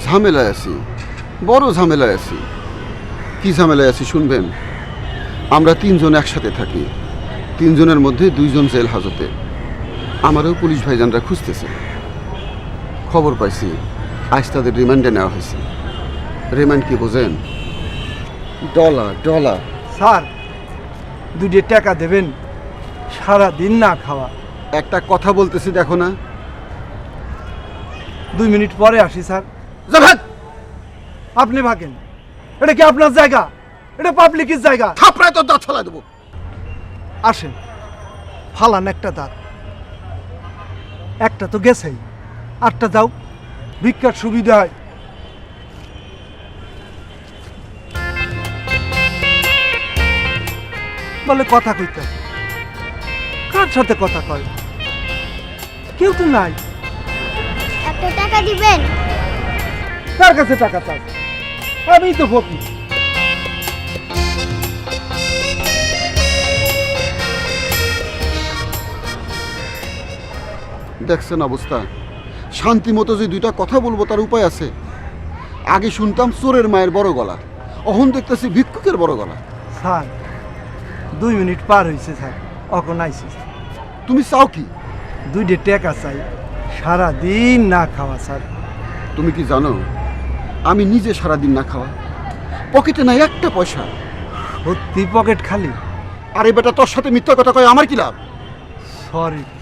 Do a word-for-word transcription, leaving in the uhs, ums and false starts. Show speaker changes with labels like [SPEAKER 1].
[SPEAKER 1] ঝামেলায় আছি, বড় ঝামেলায় আছি। কি ঝামেলায় আছি শুনবেন? আমরা তিনজন একসাথে থাকি, তিনজনের মধ্যে দুইজন জেল হাজতে। আমারও পুলিশ ভাইজানরা খুঁজতেছে। খবর পাইছি আজ তাদের রিমান্ডে নেওয়া হয়েছে। রিমান্ড কি বোঝেন? Dollar dollar.
[SPEAKER 2] স্যার দুইটা টাকা দেবেন, সারা দিন না খাওয়া।
[SPEAKER 1] একটা কথা বলতেছি দেখো না।
[SPEAKER 2] দুই মিনিট পরে আসি স্যার।
[SPEAKER 1] জাভেদ,
[SPEAKER 2] আপনি ভাগেন, এটা কি আপনার জায়গা? এটা পাবলিকের জায়গা।
[SPEAKER 1] থাপড়ায় তো দাঁত ফেলা দেবো।
[SPEAKER 2] আসেন, ফালান একটা দাঁত। একটা তো গেছেই, আটটা যাও, ভিক্ষার সুবিধা হয়। বলে কথা কইতে, কার সাথে কথা কয়? কেউ তো নাই।
[SPEAKER 3] একটা টাকা দিবেন?
[SPEAKER 2] কার কাছে টাকা চাই? আমি তো ফকির।
[SPEAKER 1] দেখছেন অবস্থা? শান্তি মতো যে দুইটা কথা বলবো তার উপায় আছে? আগে শুনতাম চোরের মায়ের বড় গলা, অহন দেখতেছি ভিক্ষুকের বড় গলা।
[SPEAKER 2] স্যার দুই মিনিট পার হয়েছে স্যার, অখন আইসি।
[SPEAKER 1] তুমি চাও কি?
[SPEAKER 2] দুইটা টাকা চাই, সারা দিন না খাওয়া স্যার।
[SPEAKER 1] তুমি কি জানো আমি নিজে সারাদিন না খাওয়া, পকেটে নাই একটা পয়সা।
[SPEAKER 2] সত্যি পকেট খালি?
[SPEAKER 1] আরে বেটা, তোর সাথে মিথ্যা কথা কয় আমার কি লাভ?
[SPEAKER 2] সরি